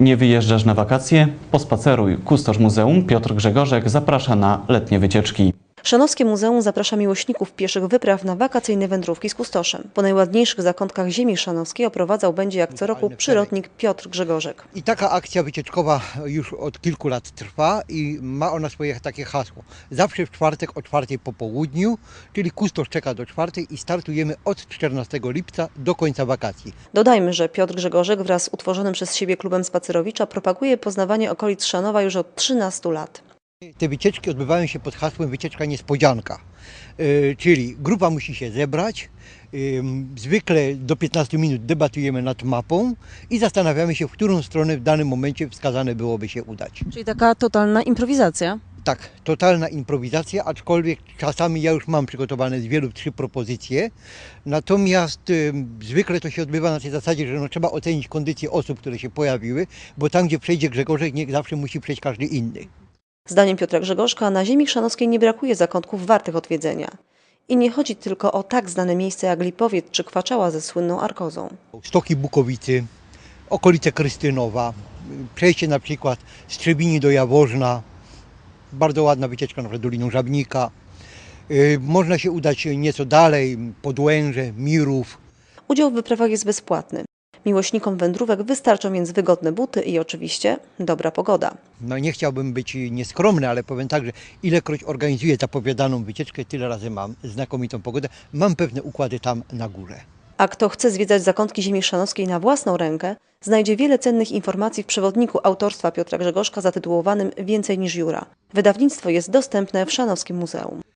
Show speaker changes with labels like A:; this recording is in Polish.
A: Nie wyjeżdżasz na wakacje? Pospaceruj. Kustosz muzeum Piotr Grzegorzek zaprasza na letnie wycieczki.
B: Chrzanowskie Muzeum zaprasza miłośników pieszych wypraw na wakacyjne wędrówki z kustoszem. Po najładniejszych zakątkach ziemi chrzanowskiej oprowadzał będzie jak co roku przyrodnik Piotr Grzegorzek.
C: I taka akcja wycieczkowa już od kilku lat trwa i ma ona swoje takie hasło. Zawsze w czwartek o 4 po południu, czyli kustosz czeka do 4 i startujemy od 14 lipca do końca wakacji.
B: Dodajmy, że Piotr Grzegorzek wraz z utworzonym przez siebie klubem Spacerowicza propaguje poznawanie okolic Chrzanowa już od 13 lat.
C: Te wycieczki odbywają się pod hasłem wycieczka niespodzianka, czyli grupa musi się zebrać, zwykle do 15 minut debatujemy nad mapą i zastanawiamy się, w którą stronę w danym momencie wskazane byłoby się udać.
B: Czyli taka totalna improwizacja.
C: Tak, totalna improwizacja, aczkolwiek czasami ja już mam przygotowane z wielu 3 propozycje, natomiast zwykle to się odbywa na tej zasadzie, że trzeba ocenić kondycję osób, które się pojawiły, bo tam, gdzie przejdzie Grzegorzek, nie zawsze musi przejść każdy inny.
B: Zdaniem Piotra Grzegorzka na ziemi chrzanowskiej nie brakuje zakątków wartych odwiedzenia. I nie chodzi tylko o tak znane miejsca jak Lipowiec czy Kwaczała ze słynną Arkozą.
C: Stoki Bukowicy, okolice Krystynowa, przejście na przykład z Trzebini do Jaworzna, bardzo ładna wycieczka na przykład Doliną Żabnika. Można się udać nieco dalej, Podłęże, Mirów.
B: Udział w wyprawach jest bezpłatny. Miłośnikom wędrówek wystarczą więc wygodne buty i oczywiście dobra pogoda.
C: No nie chciałbym być nieskromny, ale powiem tak, że ilekroć organizuję zapowiadaną wycieczkę, tyle razy mam znakomitą pogodę. Mam pewne układy tam na górze.
B: A kto chce zwiedzać zakątki ziemi chrzanowskiej na własną rękę, znajdzie wiele cennych informacji w przewodniku autorstwa Piotra Grzegorzka zatytułowanym Więcej niż Jura. Wydawnictwo jest dostępne w Chrzanowskim Muzeum.